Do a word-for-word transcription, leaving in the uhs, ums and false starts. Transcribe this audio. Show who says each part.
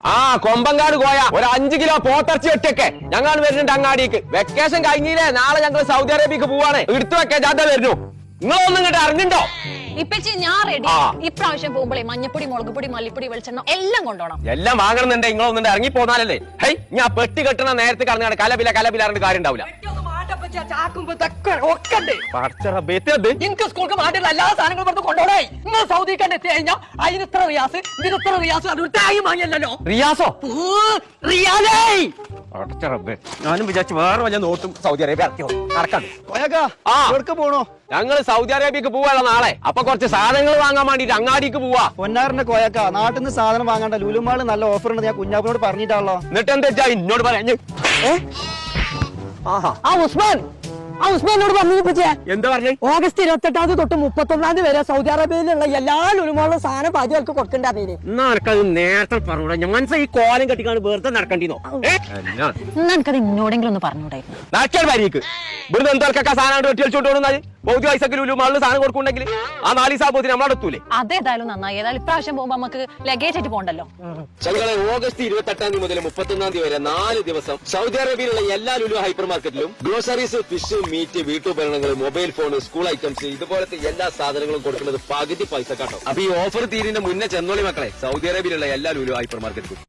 Speaker 1: ആ കൊമ്പങ്കാട് കോയ ഒരു അഞ്ചു കിലോ പോത്തർച്ചി ഒറ്റയൊക്കെ ഞങ്ങൾ വരുന്നുണ്ട് അങ്ങാടിക്ക്. വെക്കേഷൻ കഴിഞ്ഞില്ലേ, നാളെ ഞങ്ങൾ സൗദി അറേബ്യക്ക് പോവാണ്. എടുത്തു വെക്കാൻ ജാഥ വരുന്നു. നിങ്ങളൊന്നും ഇങ്ങോട്ട് അറിഞ്ഞിട്ടോ?
Speaker 2: ഇപ്പച്ചി ഞാൻ റെഡി. ഇപ്രാവശ്യം പോകുമ്പോഴേ മഞ്ഞപ്പൊടി, മുളക് പൊടി, മല്ലിപ്പൊടി, വെളിച്ചെണ്ണ എല്ലാം കൊണ്ടോണം.
Speaker 1: എല്ലാം വാങ്ങണമെന്നുണ്ടെ നിങ്ങളൊന്നും ഇറങ്ങി പോന്നാലല്ലേ. ഹൈ, ഞാൻ പെട്ടി കെട്ടണ നേരത്തെ കടന്നാണ് കലപില കലപില കാര്യം ഉണ്ടാവില്ല.
Speaker 3: എനിക്ക് സ്കൂൾക്ക് മാറ്റുള്ള എല്ലാ സാധനങ്ങളും പറഞ്ഞ് കൊണ്ടോടേ. നിങ്ങൾ സൗദിക്കാണ്ട് എത്തി കഴിഞ്ഞാൽ അതിന് ഇത്ര റിയാസ്, ഇതിന് ഇത്ര റിയാസ്, അത് ടായി വാങ്ങിയല്ലോ.
Speaker 1: റിയാസോ?
Speaker 3: റിയാലേ
Speaker 1: ഞാനും വിചാരിച്ചു വേറെ വല്ല നോട്ടും സൗദി അറേബ്യ നടക്കാൻ
Speaker 4: പോണോ?
Speaker 1: ഞങ്ങൾ സൗദി അറേബ്യക്ക് പോവാനുള്ള നാളെ. അപ്പൊ കുറച്ച് സാധനങ്ങൾ വാങ്ങാൻ വേണ്ടിട്ട് അങ്ങാടിക്ക് പോവാ.
Speaker 4: പൊന്നാറിന്റെ കോയക്ക നാട്ടിൽ നിന്ന് സാധനം വാങ്ങണ്ട, ലുലുമാള് നല്ല ഓഫർ ഉണ്ട്. ഞാൻ കുഞ്ഞാപ്പിനോട് പറഞ്ഞിട്ടാണല്ലോ.
Speaker 1: എന്നിട്ട് എന്താ എന്നോട് പറഞ്ഞു?
Speaker 3: ആ ഉസ്മാൻ ആ ഉസ്മാനോട് പറഞ്ഞു.
Speaker 1: എന്താ പറഞ്ഞു?
Speaker 3: ഓഗസ്റ്റ് ഇരുപത്തെട്ടാം തീയതി തൊട്ട് മുപ്പത്തൊന്നാം തീയതി വരെ സൗദി അറേബ്യയിലുള്ള എല്ലാ ലുലുമാളും സാധനം പാചകർക്ക് കൊടുക്കേണ്ട പേര്.
Speaker 1: എന്നാ എനിക്കത് നേരത്തെ പറഞ്ഞൂടാ. ഞാൻ ഈ കോലം കെട്ടിക്കാണ് വെറുതെ നടക്കണ്ടിന്നോ?
Speaker 2: എനിക്കത് ഇന്നോടെങ്കിലും ഒന്ന് പറഞ്ഞൂടായിരുന്നു.
Speaker 1: നടക്കാൻ വരിക്ക് ഇവിടുന്ന് എന്തൊക്കെ സാധനം വെട്ടി കളിച്ചോണ്ട് പൗതി പൈസക്ക് ലുലുമാളിൽ സാധനം കൊടുക്കുന്നുണ്ടെങ്കിൽ ആ നാല് സാബോത്തിന് നമ്മളെത്തൂലേ?
Speaker 2: അതേതായാലും നന്നായി. ഏതായാലും ഇപ്രാവശ്യം പോകുമ്പോ നമുക്ക് ലഗേജ് ആയിട്ട് പോകണ്ടല്ലോ.
Speaker 1: ഞങ്ങളെ ഓഗസ്റ്റ് ഇരുപത്തെട്ടാം തീയതി മുതൽ മുപ്പത്തൊന്നാം തീയതി വരെ നാല് ദിവസം സൗദി അറേബ്യയിലുള്ള എല്ലാ ലുലു ഹൈപ്പർ മാർക്കറ്റിലും ഗ്രോസറീസ്, ഫിഷ്, മീറ്റ്, വീട്ടുപകരണങ്ങൾ, മൊബൈൽ ഫോൺ, സ്കൂൾ ഐറ്റംസ് ഇതുപോലത്തെ എല്ലാ സാധനങ്ങളും കൊടുക്കുന്നത് പകുതി പൈസ കാട്ടോ. അപ്പൊ ഈ ഓഫർ തീരുന്ന മുന്നേ ചെന്നോളി മക്കളെ, സൗദി അറേബ്യയിലുള്ള എല്ലാ ലുലു ഹൈപ്പർ മാർക്കറ്റിലും.